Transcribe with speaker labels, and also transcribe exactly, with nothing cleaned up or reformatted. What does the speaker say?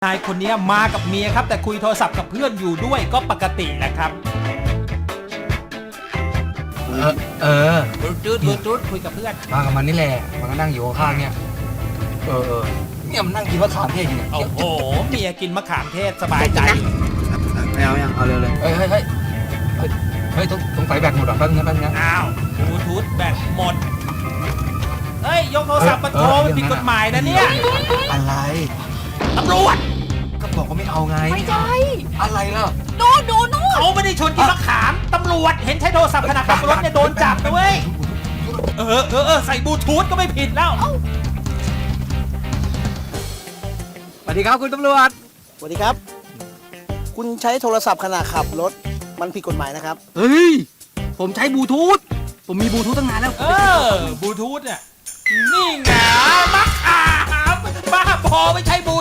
Speaker 1: นายคนนี้มากับเมียครับแต่คุยโทรศัพท์กับเพื่อนอยู่ด้วยก็ปกติแหละครับ
Speaker 2: เออเออ
Speaker 1: จุดจุดจุดจุดคุยกับเพื่อน
Speaker 2: มากับมันนี่แหละมันก็นั่งอยู่ข้างๆเนี่ยเออเออเนี่ยมันนั่งกินมะขามเทศอยู่เนี่ย
Speaker 1: โอ้โหเมียกินมะขามเทศสบายใจ
Speaker 2: ไม่เอายังเอาเร็วเลยเฮ้ยเฮ้ยเฮ้ยเฮ้ยเฮ้ยต้องต้องไฟแบตหมดอ่ะแป๊บนึงแป๊บนึง
Speaker 1: อ้าวบลูทูธแบตหมดเฮ้ยยกโทรศัพท์มาโทรมันผิดกฎหมายนะเนี่ย
Speaker 2: อะไร
Speaker 1: ตำรวจ
Speaker 2: ก็บอกว่าไม่เอาไง
Speaker 3: ไม่ใช่
Speaker 2: อะไรล่ะ
Speaker 3: โน่นโน่นโน่น
Speaker 1: เขาไม่ได้ชนกินมะขามตำรวจเห็นใช้โทรศัพท์ขณะขับรถเนี่ยโดนจับนะเว้ยเออเออเออใส่บลูทูธก็ไม่ผิดแล้ว
Speaker 2: สวัสดีครับคุณตำรวจ
Speaker 4: สวัสดีครับ คุณใช้โทรศัพท์ขณะขับรถมันผิดกฎหมายนะครับ
Speaker 2: เฮ้ยผมใช้บลูทูธผมมีบลูทูธตั้งนานแล้ว
Speaker 1: เออบลูทูธเนี่ยนี่ไงมะขามบ้าพอไม่ใช่บลู